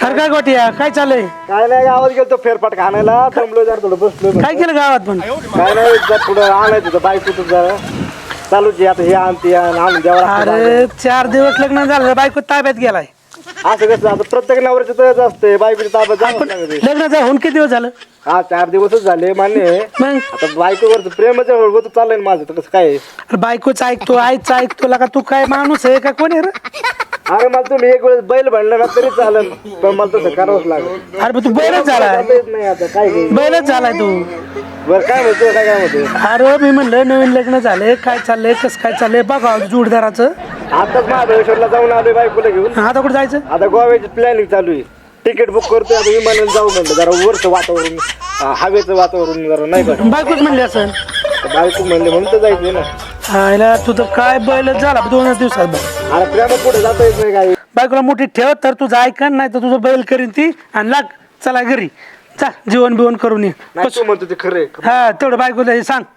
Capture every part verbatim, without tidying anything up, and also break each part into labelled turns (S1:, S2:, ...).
S1: अरे काय गोटिया काय चाललंय?
S2: काय नाही गावात गेलो फेरफाट खाण्याला थांबलो जरा थोडं बसलो
S1: काय केलं गावात पण?
S2: काय नाही जर पुढं आणायचं होतं बायको तुझं जरा चालूच आहे आता हे आणते आणून द्यावं
S1: अरे चार दिवस लग्न झालं बायको ताब्यात गेलाय.
S2: असं कसं आता प्रत्येक नवऱ्याचं तसंच असते बायकोची ताब्यात जावंच लागते.
S1: लग्नाचा होऊन किती दिवस झालं?
S2: हा चार दिवसच झाले मान्य आहे.
S1: मग
S2: आता बायकोवरचं प्रेमच होत चाललंय ना माझं तर कसं काय आहे?
S1: अरे बायकोच ऐकतो आईच ऐकतो का तू काय माणूस आहे का कोण आहे रे?
S2: अरे मला तुम्ही एक वेळेस बैल म्हणलं ना तरी चालेल पण मला तसं करावंच लागेल.
S1: अरे पण तू बैलच झालाय
S2: जाता येत नाही आता काय घे
S1: बैलच झालाय तू.
S2: बरं काय म्हणतो काय काय म्हणतो
S1: अरे मी म्हणलं नवीन लग्न झाले काय चाललंय कसं काय चाललंय बघा जोडदाराचं.
S2: आताच महाबळेश्वरला जाऊन आलोय बायकोला घेऊन.
S1: आता कुठं जायचं?
S2: आता गोव्याची प्लॅनिंग चालू आहे. तिकीट बुक करतोय आता विमानाने जाऊ म्हणलं जरा वरचं वातावरण अं, हवेचं वातावरण जरा नाही का
S1: बायकोच म्हणली असं.
S2: बायको म्हणले म्हणून तर जायचंय ना.
S1: आयला तुझं काय बैलच झाला दोनच दिवसात बघ.
S2: अरे प्रेमात पुढे जाता येत नाही काय.
S1: बायकोला मोठी ठेव तर तुझं ऐकन नाही तर तुझं बैल करीन ती आणि लाग चला घरी चा जेवण बिवण करून ये.
S2: नाही तू म्हणतो ते खरं आहे.
S1: हा तेवढं बायकोला हे सांग.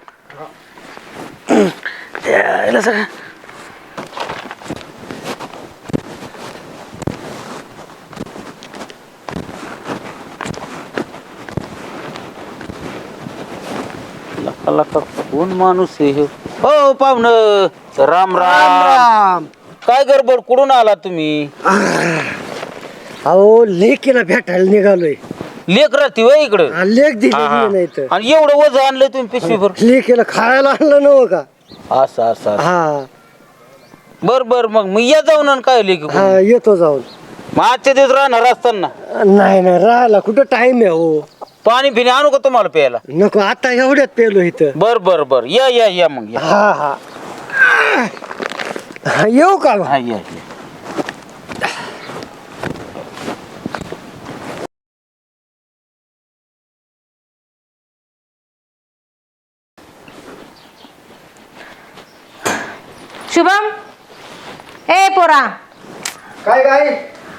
S1: यायला सगळं
S3: लका लका कोण माणूस आहे हे? हो पाहुण राम राम. काय गडबड कुठून आला तुम्ही?
S4: अहो लेकीला भेटायला निघालोय.
S3: लेक राहते वय इकडं.
S4: हा, लेक दिली
S3: हा, हा.
S4: नाही तर
S3: आणि एवढं वज आणलंय तुम्ही पिशवीभर?
S4: लेकीला खायला आणलं नव्ह का?
S3: असं असं असं.
S4: हा
S3: बर बर मग मी या जाऊन आणि काय लेक
S4: हा येतो जाऊन.
S3: मग आजच्या दिवस राहणार असताना
S4: नाही नाही राहिला कुठं टाइम आहे हो.
S3: पाणी पिणे आणू का तुम्हाला प्यायला?
S4: नको आता एवढ्यात पेलो इथं.
S3: बर बर बर या या या मग या.
S4: हा हा हा, येऊ का मग?
S3: हा या या.
S5: शुभम ए पोरा
S2: काय काय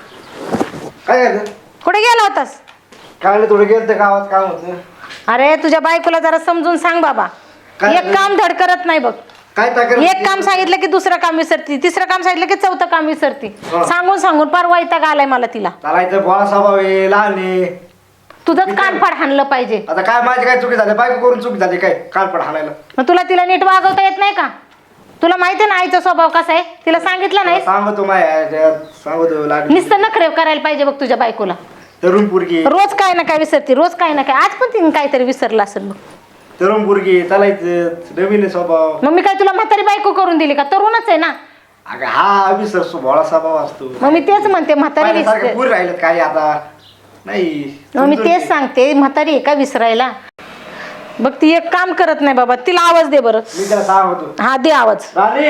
S2: काय झालं?
S5: कुठे गेला होतास?
S2: काय नाही थोडं गेलं गावात काम होतं.
S5: अरे तुझ्या बायकोला जरा समजून सांग बाबा.
S2: काय
S5: एक काम धड करत नाही बघ.
S2: काय तक्रार
S5: एक काम सांगितलं की दुसरं काम विसरती, तिसरं काम सांगितलं की चौथं काम विसरती.
S2: हा.
S5: सांगून सांगून पार वैताग आलाय मला तिला.
S2: चालायचं बोळा स्वभाव आहे लहान आहे.
S5: तुझंच कानफाड हाणलं पाहिजे.
S2: आता काय माझी काय चुकी झाली बायको करून चुकी झाली काय कालपड हाणायला.
S5: मग तुला तिला नीट वागवता येत नाही का? तुला माहिती ना आईचा स्वभाव कसा आहे? तिला सांगितलं नाही?
S2: सांगतो माय सांगतो लागली
S5: नुसतं नखरे करायला पाहिजे बघ तुझ्या बायकोला.
S2: तरुण पोरगी
S5: रोज काय ना काय विसरती, रोज काय ना काय. आज पण तिने काहीतरी विसरलं असेल बघ.
S2: तरुण पोरगी चालायचं नवीन आहे स्वभाव.
S5: मग मी काय तुला म्हातारी बायको करून दिली का? तरुणच आहे ना.
S2: अगं हा विसर भोळा स्वभाव असतो.
S5: मग मी तेच म्हणते म्हातारी
S2: पहिल्यासारखं
S5: विसर.
S2: पुरी राहिलं काय आता नाही.
S5: मग मी तेच सांगते म्हातारी आहे का विसरायला? बघ ती एक काम करत नाही बाबा. तिला आवाज दे बरं.
S2: मी त्याला सांगतो
S5: हा दे आवाज.
S2: राणी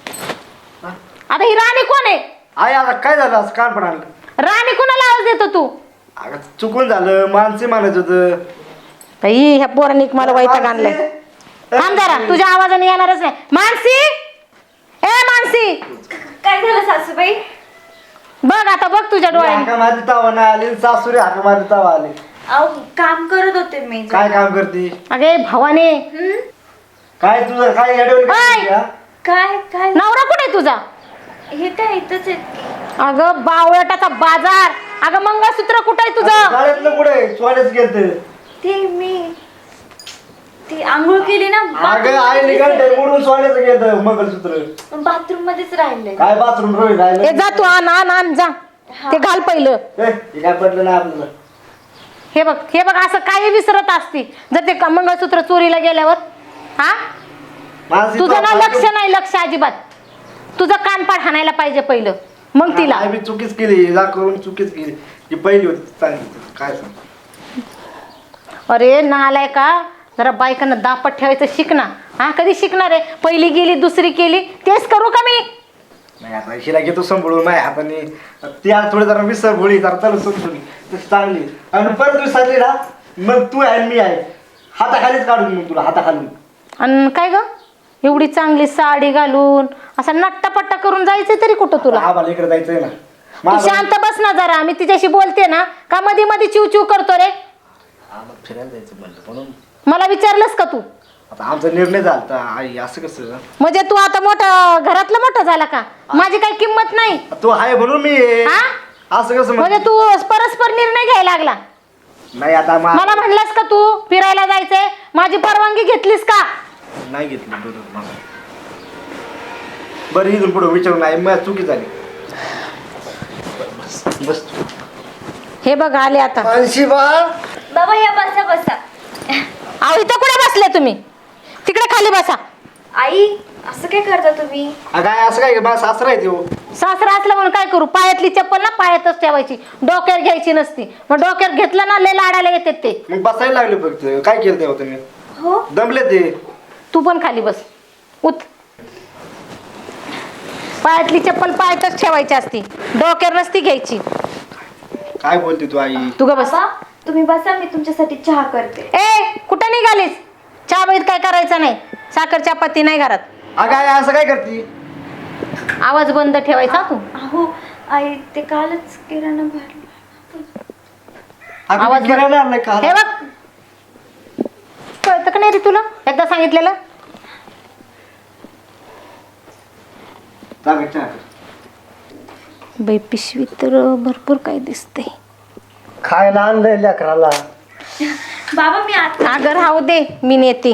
S5: आता ही राणी कोण आहे?
S2: आई आता काय झालं असं कान पडालं.
S5: राणी कोणाला आवाज देतो तू?
S2: अगं चुकून झालं माणसे म्हणायचं होतं.
S5: बाई ह्या पोरांनी मला वैताग आणलाय. थांब जरा तुझ्या आवाजाने येणारच नाही. मानसी ए मानसी
S6: काय झालं सासूबाई?
S5: बघ आता बघ तुझ्या डोळ्याने.
S2: हाका माझी तावा नाही आली सासुरे हाका माझी तावा आली.
S6: अहो काम करत होते मी.
S2: काय काम करते
S5: अगे भवाने
S6: हं?
S2: काय तुझं काय येडवलं
S5: ओय!
S2: काय?
S6: काय काय
S5: नवरा कुठे तुझा?
S6: हे काय इथंच आहेत.
S5: अगं बावळटाचा बाजार. अगं मंगळसूत्र कुठे आहे तुझं?
S2: शाळेतलं कुठे सोन्याच गेलं.
S6: ते मी ती आंघोळ केली ना
S2: अगं आई निघाल मोडून सोन्याचं गेलं मंगळसूत्र.
S6: बाथरूम मध्येच राहिले.
S2: काय बाथरूम रोई
S5: ए
S2: राहिलं.
S5: जा तू आण आण आण जा. ते घाल पहिलं.
S2: ए, हे काय पडलं नाही आपल्याला.
S5: हे बघ हे बघ असं काही विसरत असती जर ते क- मंगळसूत्र चोरीला गेल्यावर. हा
S2: मानसी
S5: तुझं ना
S2: तो-
S5: लक्ष नाही लक्ष अजिबात. तुझं कानपाड हाणायला पाहिजे पहिलं मग तिला.
S2: आई बी चुकीच केली जा करून चुकीच केली. ही पहिली होती चांगली काय सांग.
S5: अरे नालाय का जरा बायकांना दापट ठेवायचं शिक ना. हा कधी शिकणार आहे? पहिली गेली दुसरी केली तेच करू का मी?
S2: नाही आता हिला घेतो सांभाळून माझ्या हाताने. ती आज थोडी जरा विसर भोळी जरा चालू समजून तशी चांगली आणि परत विसरली ना मग तू आहे आणि मी आहे हाताखालीच काढून मग तुला हाताखालून.
S5: आणि काय ग एवढी चांगली साडी घालून असा नट्टापट्टा करून जायचंय तरी कुठं तुला?
S2: आम्हाला इकडे जायचंय ना.
S5: तू
S2: माझं-
S5: शांत बस ना जरा. मी तिच्याशी बोलते ना का मध्ये मध्ये चिव चिव करतो रे?
S2: आम्हाला फिरायला जायचं म्हणलं म्हणून
S5: मला विचारलंस का तू?
S2: आता आमचा निर्णय झाला आई असं कसं.
S5: म्हणजे तू आता मोठा घरातला मोठा झाला का? माझी काही किंमत नाही.
S2: तू आहे म्हणून मी आहे.
S5: हा
S2: असं कसं
S5: म्हणजे
S2: म्हण-
S5: तू परस्पर निर्णय घ्यायला लागला.
S2: नाही आता मा-
S5: मला म्हणलास का तू फिरायला जायचंय, माझी परवानगी घेतलीस का?
S2: नाही घेतली बरोबर मला. बरं इथून पुढे विचारू नाही मग चुकी झाली. बस बस तू.
S5: हे बघ आले आता.
S4: मानसी बाळ
S6: बाबा या बसा बसा.
S5: अहो इथं कुठे बसले तुम्ही? तिकडे खाली बसा.
S6: आई असं काय करता तुम्ही?
S2: अगं काय असं काय मला सासरा आहे तो.
S5: सासरा असलं म्हणून काय करू? पायातली चप्पल ना पायातच ठेवायची, डोक्यावर घ्यायची नसती. मग डोक्यावर घेतलं ना लय लाडायला येतात ते.
S2: मग बसायला लागले फक्त. काय केलं तेव्हा तुम्ही?
S6: हो
S2: दमले ते.
S5: तू पण खाली बस. उत. पायातली चप्पल पायातच ठेवायची असती, डोक्यावर नसती घ्यायची.
S2: काय बोलते तू आई?
S5: तू ग बस.
S6: बाबा तुम्ही बसा, मी तुमच्यासाठी चहा करते.
S5: ए कुठं निघालीस? चहा बैत काय करायचं नाही, साखर चपाती नाही घरात.
S2: अगं आई असं काय करते?
S5: आवाज बंद ठेवायचा तू.
S6: अहो आई ते कालच किराणा भरला.
S2: अगं
S5: आवाज
S2: मी किराणा आणलाय का?
S5: हे बघ, कळतं का नाही रे तुला? एकदा सांगितलेलं.
S2: चालेल, चहा कर.
S5: बाई पिशवी तर भरपूर काय दिसते.
S4: खायला आणलंय लेकराला.
S6: बाबा मी आता
S5: अगं राहू दे, मी नेते.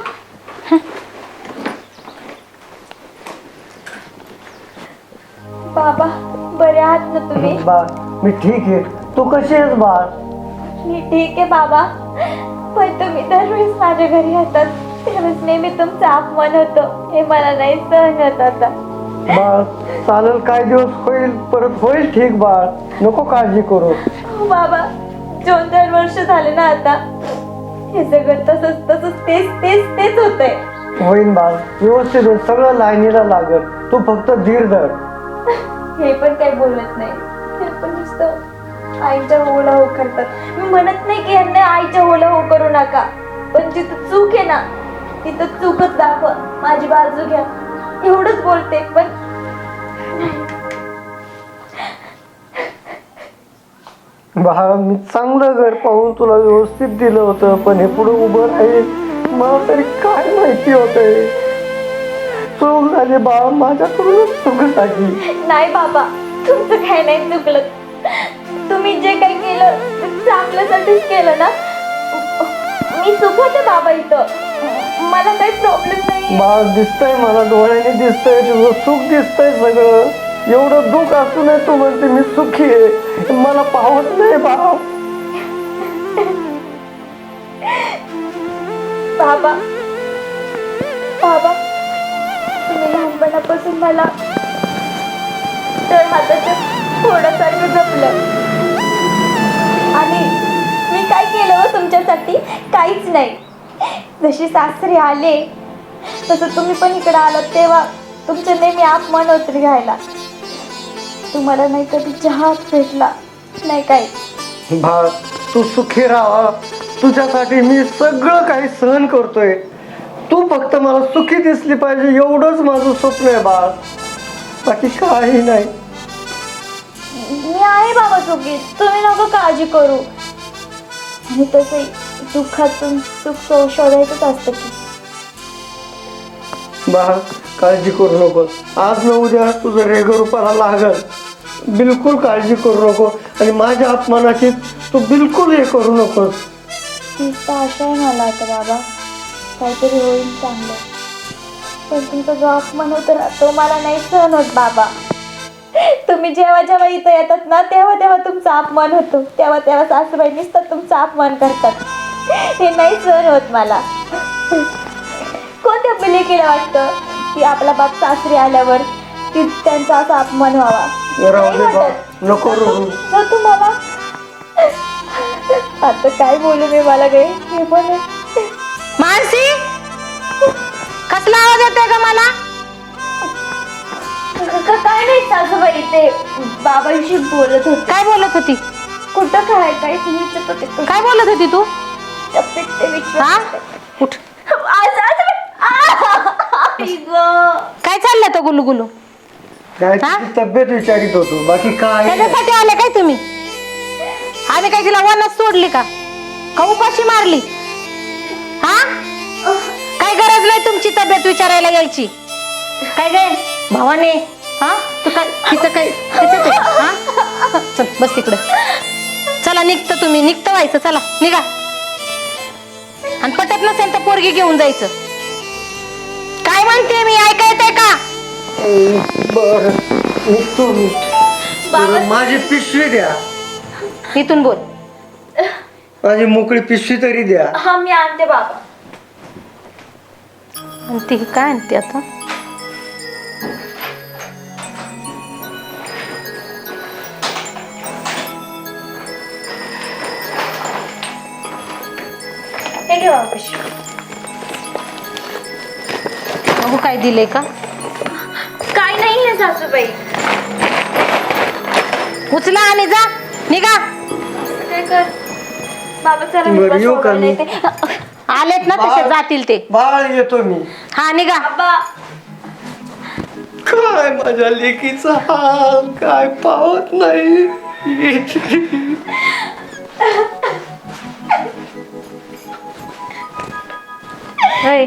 S6: बाबा बरे आहात ना तुम्ही?
S4: बाळ मी ठीक आहे, तू कशी आहेस बाळ?
S6: मी ठीक आहे बाबा, पण तुम्ही दरवेळेस माझ्या घरी येतात त्यावेळेस नेहमी तुमचं अपमान होतं, हे मला नाही सहन होत आता.
S4: बाळ चालेल, काय दिवस होईल, परत होईल ठीक बाळ, नको काळजी करू.
S6: हो बाबा, दोन चार वर्ष झाले ना आता, हे सगळं तसंच तसंच तेच तेच तेच होतंय.
S4: होईन बाळ, व्यवस्थित होईल, सगळं लाईनीला लागल, तू फक्त धीर धर.
S6: हे पण काही बोलत नाही, हे पण नुसतं आईच्या होला हो करतात. मी म्हणत नाही की यांना आईच्या होला हो करू नका, पण जिथं चूक आहे ना तिथं चूकच दाखवा, माझी बाजू घ्या, एवढंच बोलते. पण
S4: बाळ मी चांगलं घर पाहून तुला व्यवस्थित दिलं होतं, पण हे पुढे उभं राहील मला तरी काय माहिती होतंय. चूक झाली बाळ, माझ्याकडूनच चूक झाली.
S6: नाही बाबा, तुमचं काही नाही चुकलं, तुम्ही जे काही केलं ते चांगल्यासाठीच केलं ना. मी सुखवते बाबा, इथं मला काही प्रॉब्लेम नाही.
S4: बाळ दिसतंय मला, डोळ्याने दिसतंय तुझं सुख, दिसतंय सगळं. एवढं दुःख असू नये तू म्हणते मी सुखी आहे, मला पाहत नाही बाळ.
S6: बाबा बाबा तुम्ही लहानपणापासून मला तर हाताच्या फोडासारखं जपलं, आणि मी काय केलं हो तुमच्यासाठी? काहीच नाही. जशी सासरी आले तसं तुम्ही पण इकडे आलात, तेव्हा तुमचं नेहमी अपमान होत घ्यायला. तुम्हाला नाही कधी चहा भेटला नाही काही.
S4: बाळ तू सुखी राहा, तुझ्यासाठी मी सगळं काही सहन करतोय. तू फक्त मला सुखी दिसली पाहिजे, एवढंच माझं स्वप्न आहे बाळ, बाकी काही नाही.
S6: मी आहे बाबा सुखी, तुम्ही नको काळजी करू. आणि तसे दुःखातून सुख शोधायचंच असतं की.
S4: बाळ काळजी करू नको, आज न उद्या तुझं रेग रूपाला लागल, बिलकुल काळजी करू नको. आणि माझ्या अपमानाची तू बिलकुल हे करू नकोस.
S6: तीच तर आशा आहे मला आता बाबा, काहीतरी होईल चांगलं. पण तुमचा जो अपमान होतो ना तो मला नाही सहन होत बाबा. तुम्ही जेव्हा जेव्हा इथं येतात ना तेव्हा तेव्हा तुमचा अपमान होतो, तेव्हा तेव्हा सासूबाई नुसतं तुमचा अपमान करतात, हे नाही सहन होत मला. कोणत्या मुलीकीला वाटतं की आपला बाप सासरी आल्यावर की त्यांचा असा अपमान व्हावा?
S4: राहू
S6: नाही
S4: दे बाळ,
S6: वाटत.
S4: नको रडू.
S6: ना तुम्हाला आता काय बोलू मी, मला काही हे पण आहे.
S5: मानसी, कसला आवाज येतोय का मला?
S6: क- क- काय नाही सासूबाई, ते बाबांशी बोलत होते.
S5: काय बोलत होती?
S6: कुठं काय काय विचारत होते,
S5: काय बोलत होती तू?
S6: टप्प्यात ते विचारत
S5: हा
S6: होते.
S5: उठ.
S6: आज- आज- आ! आई गं.
S5: काय चाललं तो गुलू गुलू?
S4: काय
S5: हा?
S4: तुझी तब्येत विचारित होतो, बाकी काय नाही.
S5: त्याच्यासाठी आले काय तुम्ही? आम्ही काय तिला वनच सोडली का? का उपाशी मारली? हा काय गरज नाही तुमची तब्येत विचारायला यायची. काय गे भावाने, हा तू काय तिचं काय तिचं काय हा चल बस तिकडे. चला निघतं तुम्ही, निघतं व्हायचं. चला निघा. आणि पटत नसेल तर पोरगी घेऊन जायचं. काय म्हणते मी, ऐका येते का?
S4: बर निघतो मी. बरं, माझी पिशवी द्या.
S5: इथून बोल.
S4: माझी मोकळी पिशवी तरी द्या.
S6: हा मी आणते बाबा.
S5: आणि ती काय आणते आता?
S6: हे घे बाबा पिशवी.
S5: बघू काय दिलंय का.
S6: काय नाही आहे सासूबाई.
S5: उचला आणि जा, निघा.
S6: असं काय कर बाबा. चला मी
S4: बरं,
S6: बस
S4: येऊ का
S6: सोडायला
S4: मी?
S6: येते.
S5: आलेत ना तसे जातील ते.
S4: बाळ येतो मी.
S5: हा निघा.
S6: बाबा
S4: काय माझ्या लेकीचा हाल काय पावत नाही.
S5: होय.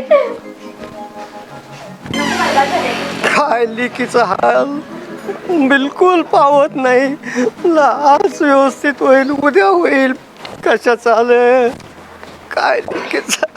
S4: काय लेकीचा हाल बिलकुल पावत नाही. आज व्यवस्थित होईल, उद्या होईल, कशा चालेल काय लेकीचा.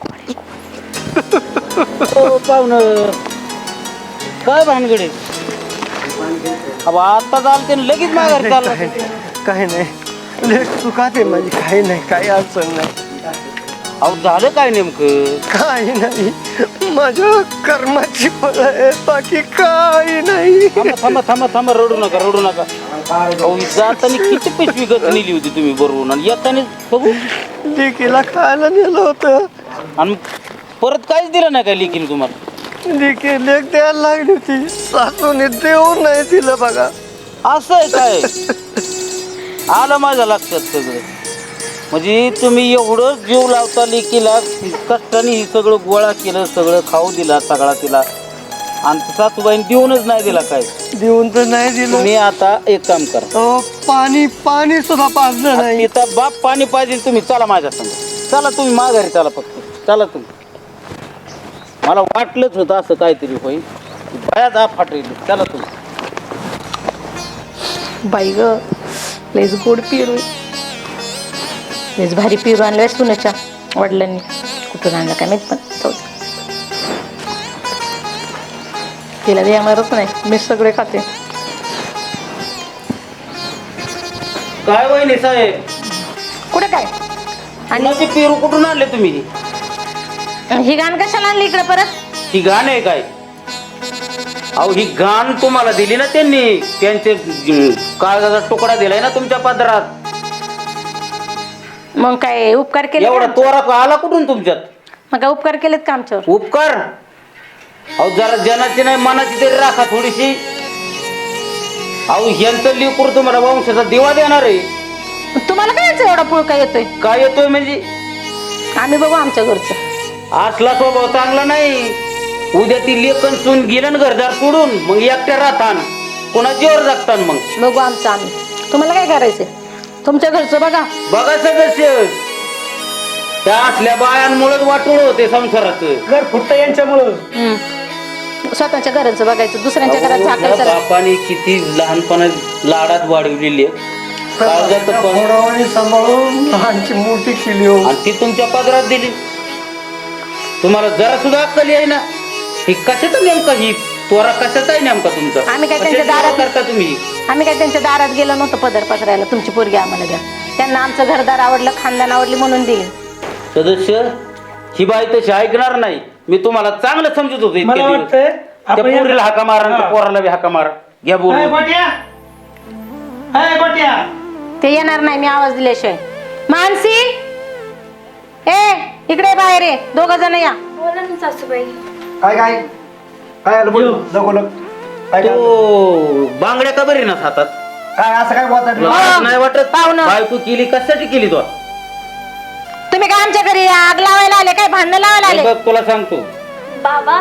S3: हो पाहुणं, काय भानगडे? अब आता चालते लगेच माघारी चालला.
S4: काही नाही लेख चुकाते माझी. काही नाही, काही अडचण नाही.
S3: अहो झालं काय नेमकं?
S4: काही नाही, माझ्या कर्माची फळ आहे, बाकी काही नाही.
S3: थांबा थांबा थांबा थांबा, रडू नका रडू नका. अहो जाताना किती पिशवी गच नेली होती तुम्ही बरोबर, आणि येताना बघू.
S4: लेकीला खायला नेलं होतं.
S3: आणि परत काहीच दिलं नाही काय लेकीने तुम्हाला?
S4: लेकी लेख द्यायला लागली होती, सासूने देऊ नाही दिलं बघा.
S3: असं आहे काय? आलं माझ्या लक्षात सगळं. म्हणजे तुम्ही एवढं जीव लावता लेकीला, कष्टाने ही सगळं गोळा केलं, सगळं खाऊ दिला सगळा तिला, आणि सासूबाईने देऊनच नाही दिला काय.
S4: देऊन तर नाही दिलं.
S3: तुम्ही आता एक काम करा,
S4: अहो, पाणी पाणी सुद्धा पाजलं नाही.
S3: तिथं बाप पाणी पाहिजे तुम्ही. चला माझ्या संग, चला तुम्ही माघारी चला, फक्त चला तुम्ही. मला वाटलंच होतं असं काहीतरी होईल. बऱ्याच आप फाटली. चला तुम्ही.
S5: बाई ग, लयच गोड पिरू. लयच भारी पिरू आणलाय सुनेच्या वडिलांनी. कुठून आणलं काय माहित, पण जाऊ दे. तिला देणारच नाही, मी सगळे खाते.
S3: काय वहिनी साहेब,
S5: कुठे काय? आणि
S3: आणि पेरू कुठून आणले तुम्ही?
S5: ही गाण कशाला आणली इकडे परत?
S3: ही घाण आहे काय? अहो ही घाण तुम्हाला दिली ना त्यांनी, त्यांचे कागदाचा तुकडा दिलाय ना तुमच्या पदरात.
S5: मग काय उपकार केले
S3: एवढा
S5: का?
S3: तोरा आला कुठून तुमच्यात?
S5: मग काय उपकार केलेत का आमच्यावर?
S3: उपकार? अहो जरा जनाची नाही मनाची तरी राखा थोडीशी. अहो ह्यांचं लेकरू तुम्हाला वंशाचा दिवा देणार आहे.
S5: तुम्हाला काय याचं एवढा पुळका येतोय?
S3: काय येतोय म्हणजे?
S5: आम्ही बघू आमच्या घरचं.
S3: असला स्वभाव चांगला नाही. उद्या ती लेखन सून गेलं घरदार सोडून, मग एकट्या राहतान, कोणा जीवर जगतान. मग
S5: बघू आमचं आम्ही. तुम्हाला काय करायचंय? तुमच्या घरचं बघा.
S3: बघा सदस्य, त्या असल्या बायांमुळेच वाटोळ होते संसाराचं.
S1: घर फुटतं यांच्यामुळं.
S5: हम्म. स्वतःच्या घराचं बघायचं, दुसऱ्यांच्या घरात
S3: अहो,
S5: झाकायचं
S3: ह्या
S5: नाही.
S3: बापाने किती लहानपणा लाडात वाढवलेली आहे. काळजात पण-
S4: पोरावानी सांभाळून लहानची मोठी केली हो.
S3: आणि ती तुमच्या पदरात दिली. तुम्हाला जरा सुद्धा अक्कल आहे ना? ही कशाचं नेमका, ही तोरा कशाचा आहे नेमका तुमचा?
S5: आम्ही काय त्यांच्या
S3: कशाची
S5: दारात-
S3: करता तुम्ही?
S5: आम्ही काय त्यांच्या दारात गेलो नव्हतो पदर पसरायला तुमची पोरगी आम्हाला द्या. त्यांना आमचं घरदार आवडलं, खानदान आवडली म्हणून दिली.
S3: सदस्य, ही बाई तशी ऐकणार नाही. मी तुम्हाला चांगलं समजत होतो इतके
S1: मला
S3: दिवस.
S1: वाटतंय
S3: त्या
S1: आपण
S3: पोरीला हाका मारा आणि त्या
S1: हा.
S3: पोराला बी हाका मारा. घ्या
S1: हाय
S3: बोलून.
S1: गोट्या, हाय गोट्या.
S5: ते येणार नाही मी आवाज दिल्याशिवाय. मानसी, ए इकडे बाहेर ये, दोघ जण या.
S6: बोला ना सासूबाई.
S2: काय काय काय आलं बोल नको लग काय काय आलं?
S3: तो बांगड्या का बरी ना हातात?
S2: काय असं काय बोलतात
S3: लाज नाही वाटत?
S5: पाहुणं.
S3: बायको केली कशासाठी केली तो?
S5: तुम्ही काय आमच्या घरी आग लावायला आले काय? भांडण लावायला
S3: हे
S5: आले?
S3: बघ तुला सांगतो,
S6: बाबा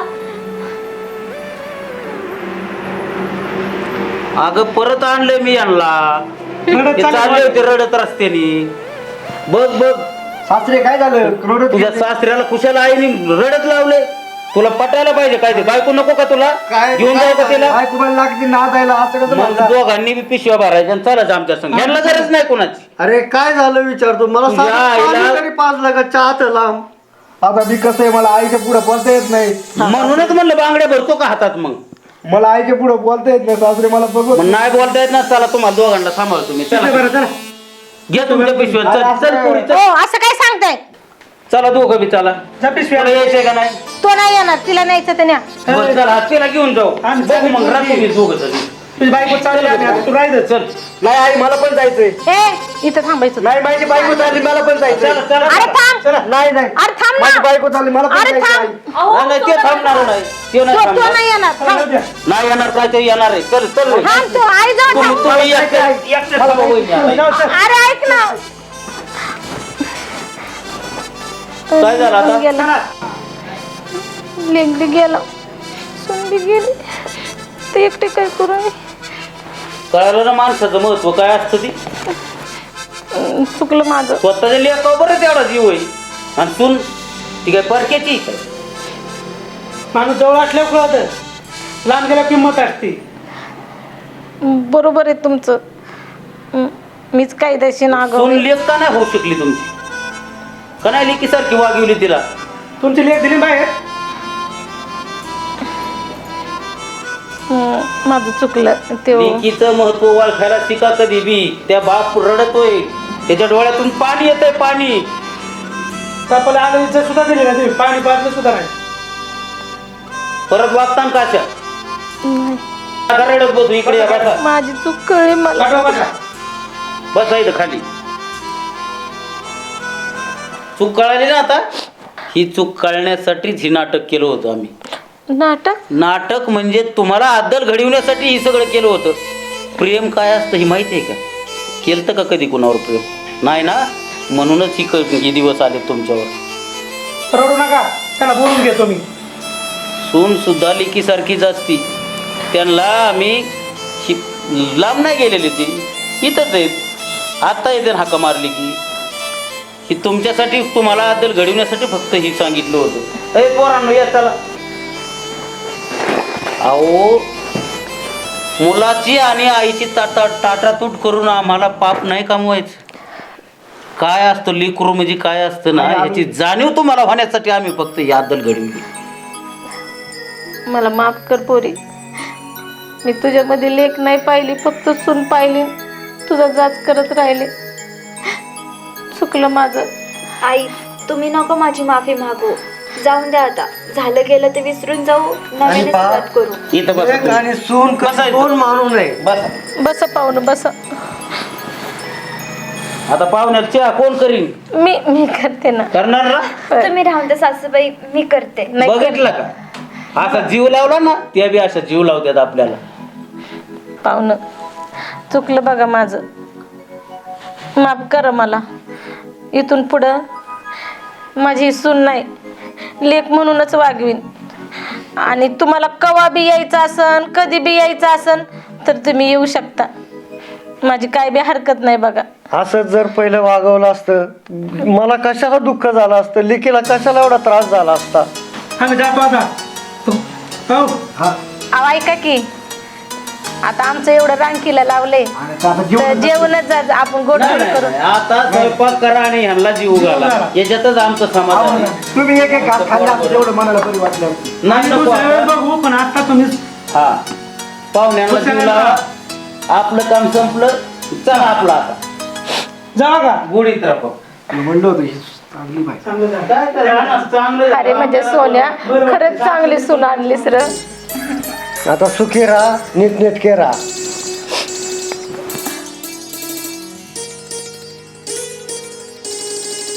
S3: अगं परत आणलंय मी यांना.
S1: रडत
S3: ते
S1: चालले
S3: चालले होते रडत रस्त्याने. बघ बघ,
S2: सासरे काय झालं क्रोडत
S3: तुझ्या सासऱ्याला कुशाला आईने रडत लावले. तुला पटायला पाहिजे काय ते बायको नको का तुला
S2: काय
S3: घेऊन जाऊ का तिला
S2: बायको मला लागते नादायला असं कसं
S3: मग
S2: म्हणता?
S3: दोघांनी बी पिशव्या भरायच्या आणि चालायचं आमच्या संग यांना गरज नाही कोणाची
S4: अरे काय झालं विचारतो मला
S3: तुझ्या
S4: साधं
S3: आईला-
S4: पाणी तरी पाजलं का चहात लांब.
S2: आता मी कसं आहे मला आईच्या पुढे बोलता येत नाही
S3: म्हणूनच म्हणलं बांगड्या भरतो का हातात मग
S2: मला आईच्या पुढे बोलता येत नाही सासरे मला बघू
S3: मग नाही बोलता येत ना चला तुम्हाला दोघांना सांभाळ तुम्ही चला घ्या तुमच्या पिशव्या चल चल पोरी, चल.
S5: हो असं काय सांगताय
S3: चला दोघं बी चला
S1: जा पिशवी
S3: तुला यायचंय का नाही
S5: तो नाही येणार तिला न्यायचं तर न्या
S3: बरं, चला तिला घेऊन जाऊ
S1: आम्ही
S3: बघू मग
S1: चालली
S3: रात्री
S1: पोरगी.
S3: दोघं जण
S1: तुझी बायको चालली आम्ही आता तू राहायचं
S3: चल
S2: नाही आई मला पण जायचंय
S5: ए इथं थांबायचं
S2: नाही माझी बायको चालली मला पण जायचंय
S3: चला चला
S5: अरे थांब
S2: नाही नाही
S5: अरे थांब
S2: माझी
S5: ना
S2: बायको चालली मला पण
S5: अरे
S2: जायचंय
S5: थांब
S2: आई.
S5: अहो,
S3: नाही, नाही ते
S5: तो
S3: थांबणार नाही ते
S5: तो
S3: नाही
S5: तो
S3: थांबणार
S5: नाही येणार थांब
S3: नाही येणार काय ते येणार आहे चल चल रे.
S5: थांब तू आई जाऊ
S3: तुम्ही
S5: थांब
S3: तुम्ही एकटे- एकटे थांबा वहिनी आता.
S5: अरे ऐक ना
S3: काय झालं आता?
S5: गेला लेंगडी गेला सुंडी गेली ते एकटे काय करू मी?
S3: कळालं ना माणसाचं महत्व काय असतं ती
S5: अं, चुकलं माझं
S3: स्वतःच्या लेखावर बरं तेवढा जीव आहे आणि तू ती काय परक्याची काय
S1: माणूस जवळ असल्यावर कळत लांब गेल्या किंमत असते
S5: बरोबर आहे तुमचं अं, मीच कायद्याशी नागव
S3: सून लेख का नाही होऊ शकली तुमची का नाही लेकी सारखी वागवली तिला
S1: तुमची लेख दिली बाहेर
S5: माझं चुकलं ते
S3: लेकीचं महत्व ओळखायला शिका कधी बी त्या बाप रडतोय त्याच्या डोळ्यातून पाणी येतंय पाणी
S1: चपला आलं इज्जत सुद्धा दिली ना तुम्ही पाणी पाजलं सुद्धा नाही
S3: परत वागताना काशा का रडत बसू इकडे या बसा
S5: माझी चूक कळली मला
S1: काढवा बघा.
S3: बसा इथं खाली चूक कळाली ना आता ही चूक कळण्यासाठीच ही नाटक केलं होतं आम्ही
S5: नाटक
S3: नाटक म्हणजे तुम्हाला अद्दल घडविण्यासाठी हे सगळं केलं होतं प्रेम काय असतं ही माहिती आहे का केलं का कधी कुणावर प्रेम नाही ना म्हणूनच ही क- हे दिवस आले तुमच्यावर
S1: रडू नका त्यांना बोलून घेतो मी
S3: सून सुद्धा लेकीसारखीच असती त्यांना आम्ही शि लांब नाही गेलेली ती इथंच आहेत आत्ता येते हाका मारली की ही तुमच्यासाठी तुम्हाला अद्दल घडविण्यासाठी फक्त ही सांगितलं होतं अरे पोरांनो या चला अहो मुलाची आणि आईची ताटा टाटातूट करून आम्हाला पाप नाही कमवायचं काय असतं लेकरू म्हणजे काय असतं ना याची जाणीव तुम्हाला होण्यासाठी आम्ही फक्त ही अद्दल घडवली
S5: मला माफ कर पोरी मी तुझ्यामध्ये लेख नाही पाहिली फक्त सून पाहिली तुझा जाच करत राहिले चुकलं माझं
S6: आई तुम्ही नको माझी माफी मागू जाऊन द्या आता झालं गेलं ते विसरून जाऊ नव्याने
S4: बा-
S6: सुरुवात करू
S3: इथं बसा
S4: एक
S3: तुम्ही.
S4: आणि सून
S3: बसा
S4: कसं
S3: इथं.
S4: दोन मानू नये
S3: बसा
S5: बस पाहुणं बस
S3: आता पाहुण्यात चहा कोण करीन
S5: मी मी करते ना
S3: करणार ना
S6: तुम्ही राहून द्या सासूबाई मी करते
S5: नाही कर-
S3: बघितलं का असा जीव लावला ना त्या बी असा जीव लावतात आपल्याला
S5: पाहुणं चुकलं बघा माझं माफ करा मला इथून पुढं माझी सून नाही लेक म्हणूनच वागवीन आणि तुम्हाला कवा बी यायचं असन कधी बी यायचं असन तर तुम्ही येऊ शकता माझी काय बी हरकत नाही बघा
S4: असंच जर पहिलं वागवलं असतं मला कशाला दुःख झालं असतं लेकीला कशाला एवढा त्रास झाला असता
S1: आम्ही जातो आता हो
S5: अहो ऐका की आता आमचं एवढं रांकीला लावले
S2: आणि आता जीव
S5: तर जेवणच जा जा, आपण गोड
S3: नाही,
S5: गोड
S3: नाही,
S5: करू
S3: नाही. आता स्वयंपाक करा आणि ह्यांना जीव घाला याच्यातच आमचं समाधान आहे.
S2: तुम्ही एक एक घास खाल्ला असं तेवढं मनाला बरी वाटलं
S3: नाही
S1: आम्ही
S3: नको
S1: दुसऱ्या वेळेस
S3: आता.
S1: बघू पण आता तुम्ही
S3: हा पाहुण्यांना जीव लावा आपलं काम संपलं चला आपलं आता
S1: जावा का
S3: गोडीत राहा
S2: म्हणलं होतं ही चांगली बाई
S1: चांगलं झालं.
S3: काय करायचं? चांगलं
S5: अरे म्हणजे सोन्या खरंच चांगली सून आणलीस र
S4: आता सुखी राहा नीटनेटके राहा